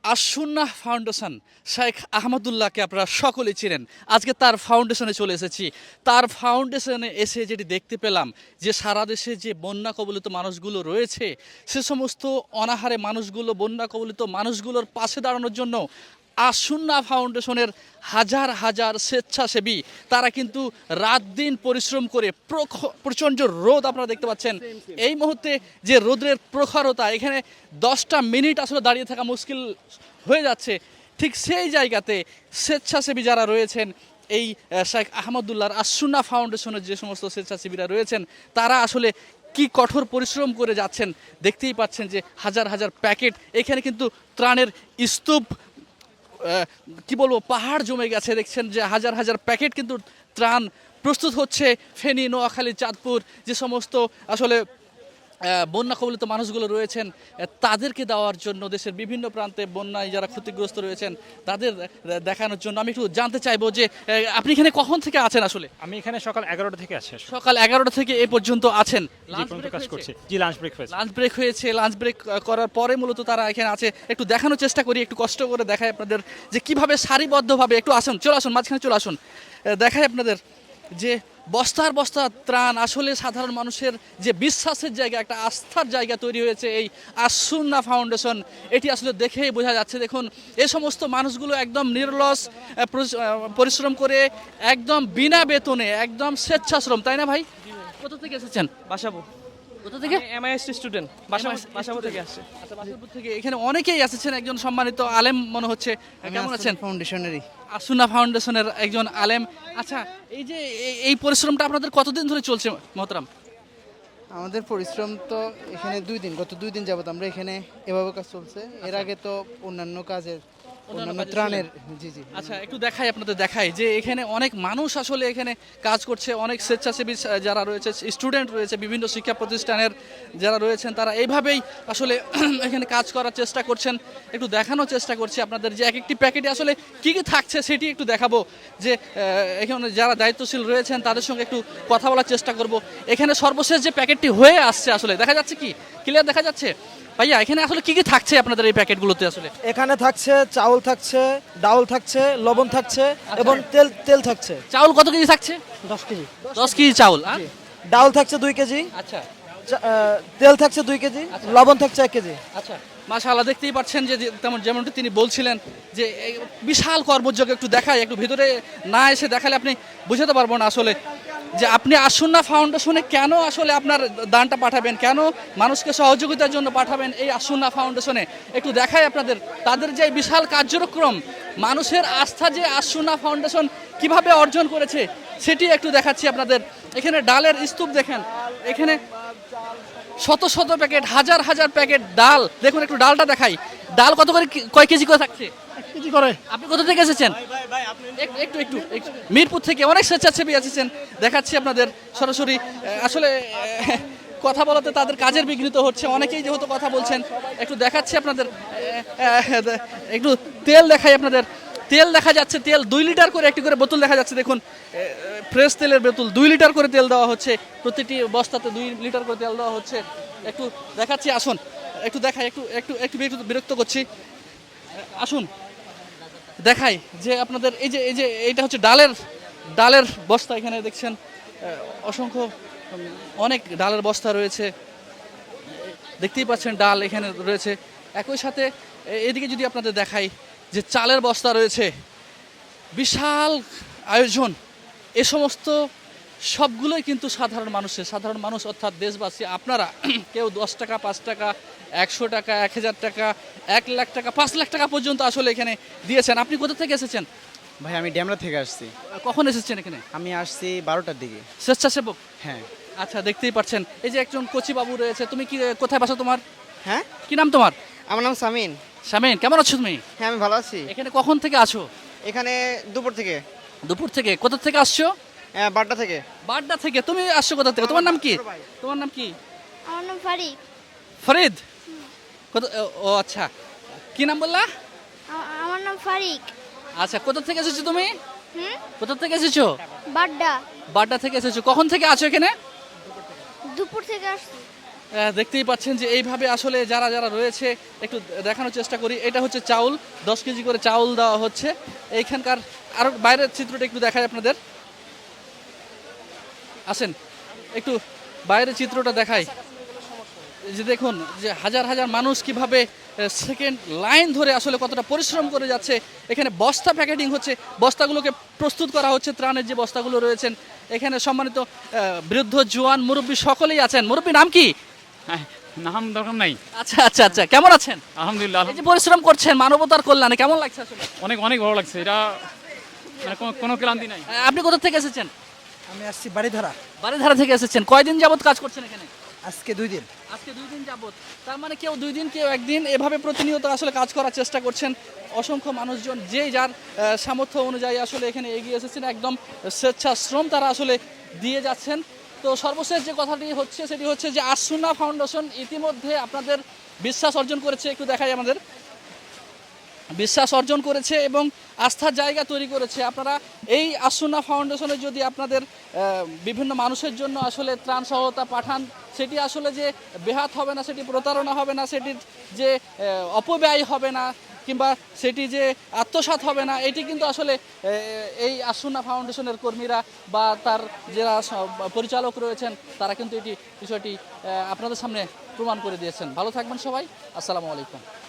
আশ-সুন্নাহ foundation Sheikh আহমদুল্লাহকে আপনারা সকলেই চিনেন। আজকে তার ফাউন্ডেশনে চলে এসেছি। তার ফাউন্ডেশনে এসে যেটি দেখতে পেলাম যে সারা দেশে যে বন্যা কবলিত মানুষগুলো রয়েছে, সে সমস্ত অনাহারে মানুষগুলো, বন্যা কবলিত মানুষগুলোর পাশে দাঁড়ানোর জন্য আশ-সুন্নাহ ফাউন্ডেশনের হাজার হাজার স্বেচ্ছাসেবী তারা কিন্তু রাত দিন পরিশ্রম করে প্রচণ্ড রোদ আপনারা দেখতে পাচ্ছেন। এই মুহূর্তে যে রোদের প্রখরতা, এখানে 10টা মিনিট আসলে দাঁড়িয়ে থাকা মুশকিল হয়ে যাচ্ছে। ঠিক সেই জায়গাতে স্বেচ্ছাসেবী যারা রয়েছেন, এই শেখ আহমদুল্লাহর আশ-সুন্নাহ ফাউন্ডেশনের যে সমস্ত স্বেচ্ছাসেবীরা রয়েছেন, তারা আসলে কি কঠোর পরিশ্রম করে যাচ্ছেন। দেখতেই পাচ্ছেন যে হাজার হাজার প্যাকেট, এখানে কিন্তু ত্রাণের স্তূপ, কি বলবো, পাহাড় জমে গেছে। দেখছেন যে হাজার হাজার প্যাকেট কিন্তু ত্রাণ প্রস্তুত হচ্ছে। ফেনী, নোয়াখালী, চাঁদপুর যে সমস্ত আসলে বন্যা কবলিত মানুষগুলো রয়েছেন, তাদেরকে দেওয়ার জন্য দেশের বিভিন্ন প্রান্তে বন্যায় যারা ক্ষতিগ্রস্ত রয়েছেন তাদের দেখানোর জন্য আমি একটু জানতে চাইবো যে আপনি এখানে কখন থেকে আছেন? আসলে আমি এখানে সকাল 11টা থেকে আছি। সকাল 11টা থেকে এ পর্যন্ত আছেন। কাজ করছি। জি, লাঞ্চ ব্রেক হয়েছে। লাঞ্চ ব্রেক হয়েছে। লাঞ্চ ব্রেক করার পরে মূলত তারা এখানে আছে। একটু দেখানোর চেষ্টা করি, একটু কষ্ট করে দেখাই আপনাদের যে কিভাবে সারিবদ্ধভাবে, একটু আসুন, চলে আসুন, মাঝখানে চলে আসুন, দেখাই আপনাদের যে বস্তার বস্তা ত্রাণ। আসলে সাধারণ মানুষের যে বিশ্বাসের জায়গা, একটা আস্থার জায়গা তৈরি হয়েছে এই আশ-সুন্নাহ ফাউন্ডেশন। এটি আসলে দেখেই বোঝা যাচ্ছে। দেখুন, এই সমস্ত মানুষগুলো একদম নির্লস পরিশ্রম করে, একদম বিনা বেতনে, একদম স্বেচ্ছাশ্রম, তাই না ভাই? কোথা থেকে এসেছেন? বাসাবো। কোথা থেকে? MIST student. বাসাবো থেকে আসছে। আচ্ছা, বাসাবো থেকে। এখানে অনেকেই এসেছেন, একজন সম্মানিত আলেম মনে হচ্ছে। কেমন আছেন? ফাউন্ডেশনেরই আশ-সুন্নাহ ফাউন্ডেশনের একজন আলেম। আচ্ছা, এই যে এই পরিশ্রমটা আপনাদের কতদিন ধরে চলছে মোহতারাম? আমাদের পরিশ্রম তো এখানে গত 2 দিন যাবত আমরা এখানে এভাবে কাজ চলছে। এর আগে তো অন্যান্য ত্রাণের। জি জি। আচ্ছা, একটু দেখাই, আপনাদের দেখাই যে এখানে অনেক মানুষ আসলে এখানে কাজ করছে। অনেক স্বেচ্ছাসেবী যারা রয়েছে, স্টুডেন্ট রয়েছে, বিভিন্ন শিক্ষা প্রতিষ্ঠানের যারা রয়েছেন, তারা এইভাবেই আসলে এখানে কাজ করার চেষ্টা করছেন। একটু দেখানোর চেষ্টা করছি আপনাদের যে এক একটি প্যাকেটে আসলে কী কী থাকছে সেটি একটু দেখাবো। যে এখানে যারা দায়িত্বশীল রয়েছেন তাদের সঙ্গে একটু কথা বলার চেষ্টা করব। এখানে সর্বশেষ যে প্যাকেটটি হয়ে আসছে, আসলে দেখা যাচ্ছে কি ক্লিয়ার দেখা যাচ্ছে? ভাইয়া, এখানে আসলে কি কি থাকছে আপনাদের এই প্যাকেটগুলোতে? আসলে এখানে থাকছে চাউল, থাকছে ডাউল, থাকছে লবণ, থাকছে এবং তেল থাকছে। চাউল কত কেজি থাকছে? 10 কেজি। 10 কেজি চাউল। আর ডাউল থাকছে 2 কেজি। আচ্ছা তেল থাকছে 2 কেজি। লবণ থাকছে 1 কেজি। আচ্ছা, মাশাআল্লাহ, দেখতেই পাচ্ছেন যে যেমনটি তিনি বলছিলেন যে এই বিশাল কর্মযোগ্য। একটু দেখাই, একটু ভিতরে না এসে দেখালে আপনি বুঝাতে পারবো না আসলে যে আপনি আশ-সুন্নাহ ফাউন্ডেশনে কেন আসলে আপনার দানটা পাঠাবেন, কেন মানুষকে সহযোগিতার জন্য পাঠাবেন এই আশ-সুন্নাহ ফাউন্ডেশনে। একটু দেখাই আপনাদের তাদের যে বিশাল কার্যক্রম, মানুষের আস্থা যে আশ-সুন্নাহ ফাউন্ডেশন কিভাবে অর্জন করেছে সেটি একটু দেখাচ্ছি আপনাদের। এখানে ডালের স্তূপ দেখেন, এখানে শত শত প্যাকেট, হাজার হাজার প্যাকেট ডাল। দেখুন, একটু ডালটা দেখাই। ডাল কত করে, কয় কেজি করে থাকছে? 1 কেজি করে। আপনি কোথা থেকে এসেছেন? একটু একটু একটু মিরপুর থেকে অনেক স্বেচ্ছাসেবী এসেছেন। দেখাচ্ছি আপনাদের সরাসরি। আসলে কথা বলাতে তাদের কাজের বিঘ্নিত হচ্ছে, অনেকেই যেহেতু কথা বলছেন। একটু দেখাচ্ছি আপনাদের, একটু তেল দেখাই আপনাদের। তেল দেখা যাচ্ছে, তেল 2 লিটার করে একটি করে বোতল দেখা যাচ্ছে। দেখুন, ফ্রেশ তেলের বোতল 2 লিটার করে তেল দেওয়া হচ্ছে, প্রতিটি বস্তাতে 2 লিটার করে তেল দেওয়া হচ্ছে। একটু দেখাচ্ছি, আসুন একটু দেখাই। একটু একটু একটু বিরক্ত করছি, আসুন দেখাই যে আপনাদের এই যে এইটা হচ্ছে ডালের বস্তা। এখানে দেখছেন অসংখ্য অনেক ডালের বস্তা রয়েছে, দেখতেই পাচ্ছেন ডাল এখানে রয়েছে। একই সাথে এদিকে যদি আপনাদের দেখাই যে চালের বস্তা রয়েছে, বিশাল আয়োজন। এ সমস্ত সবগুলোই কিন্তু সাধারণ মানুষ অর্থাৎ দেশবাসী, আপনারা কেউ 10 টাকা, 5 টাকা, 100 টাকা, 1000 টাকা, 1 লাখ টাকা, 5 লাখ টাকা পর্যন্ত আসলে এখানে দিয়েছেন। আপনি কোথা থেকে এসেছেন? ভাই আমি ড্যামরা থেকে আসছি। কখন এসেছেন এখানে? আমি আসছি 12টার দিকে। স্বেচ্ছাসেবক? হ্যাঁ। আচ্ছা, দেখতেই পাচ্ছেন এই যে একজন কচি বাবু রয়েছে। তুমি কি, কোথায় বাসা তোমার? হ্যাঁ, কি নাম তোমার? আমার নাম সামিন। শামিন, কেমন আছো তুমি? হ্যাঁ, আমি ভালো আছি। এখানে কখন থেকে আছো? এখানে দুপুর থেকে। দুপুর থেকে? কোথা থেকে আসছো? 12টা থেকে। বাড্ডা থেকে। তুমি আসছো কোথা থেকে? তোমার নাম কি? তোমার নাম কি? আমার নাম ফারিক। ফরিদ? ও আচ্ছা, কি নাম বললা? আমার নাম ফারিক। আচ্ছা, কোথা থেকে এসেছো তুমি? হুম, কোথা থেকে এসেছো? বাড্ডা। বাড্ডা থেকে এসেছো। কখন থেকে আছো এখানে? দুপুর থেকে আসছি। দেখতেই পাচ্ছেন যে এইভাবে আসলে যারা যারা রয়েছে একটু দেখানোর চেষ্টা করি। এটা হচ্ছে চাউল, 10 কেজি করে চাউল দেওয়া হচ্ছে এইখানকার। আরও বাইরের চিত্রটা একটু দেখাই আপনাদের, আসেন একটু বাইরের চিত্রটা দেখাই। এই যে দেখুন যে হাজার হাজার মানুষ কিভাবে সেকেন্ড লাইন ধরে আসলে কতটা পরিশ্রম করে যাচ্ছে। এখানে বস্তা প্যাকেটিং হচ্ছে, বস্তাগুলোকে প্রস্তুত করা হচ্ছে, ত্রাণের যে বস্তাগুলো রয়েছেন। এখানে সম্মানিত বৃদ্ধ জোয়ান মুরব্বী সকলেই আছেন। মুরব্বী নাম কি? নাম দরকার নাই। আচ্ছা আচ্ছা আচ্ছা, কেমন আছেন? আলহামদুলিল্লাহ, এই যে পরিশ্রম করছেন মানবতার কল্যাণে, কেমন লাগছে আসলে? অনেক অনেক ভালো লাগছে। এটা মানে কোনো ক্লান্তি নাই। আপনি কোথা থেকে এসেছেন? আমি আসছি বাড়িধারা, বাড়িধারা থেকে এসেছেন। কয়দিন যাবত কাজ করছেন এখানে? আজকে 2 দিন। আজকে 2 দিন যাবত। তার মানে কেউ 2 দিন কেউ 1 দিন এভাবে প্রতিনিয়ত আসলে কাজ করার চেষ্টা করছেন। অসংখ্য মানুষজন যে যার সামর্থ্য অনুযায়ী আসলে এখানে এগিয়ে এসেছেন, একদম স্বেচ্ছাশ্রম তারা আসলে দিয়ে যাচ্ছেন। তো সর্বশেষ যে কথাটি হচ্ছে সেটি হচ্ছে যে আসুনা ফাউন্ডেশন ইতিমধ্যে আপনাদের বিশ্বাস অর্জন করেছে। একটু দেখাই আমাদের, বিশ্বাস অর্জন করেছে এবং আস্থার জায়গা তৈরি করেছে। আপনারা এই আসুনা ফাউন্ডেশনে যদি আপনাদের বিভিন্ন মানুষের জন্য আসলে ত্রাণ সহায়তা পাঠান, সেটি আসলে যে বেহাত হবে না, সেটি প্রতারণা হবে না, সেটির যে অপব্যয় হবে না, কিংবা সেটি যে আত্মসাৎ হবে না, এটি কিন্তু আসলে এই আসুনা ফাউন্ডেশনের কর্মীরা বা তার যারা পরিচালক রয়েছেন তারা কিন্তু এটি বিষয়টি আপনাদের সামনে প্রমাণ করে দিয়েছেন। ভালো থাকবেন সবাই, আসসালামু আলাইকুম।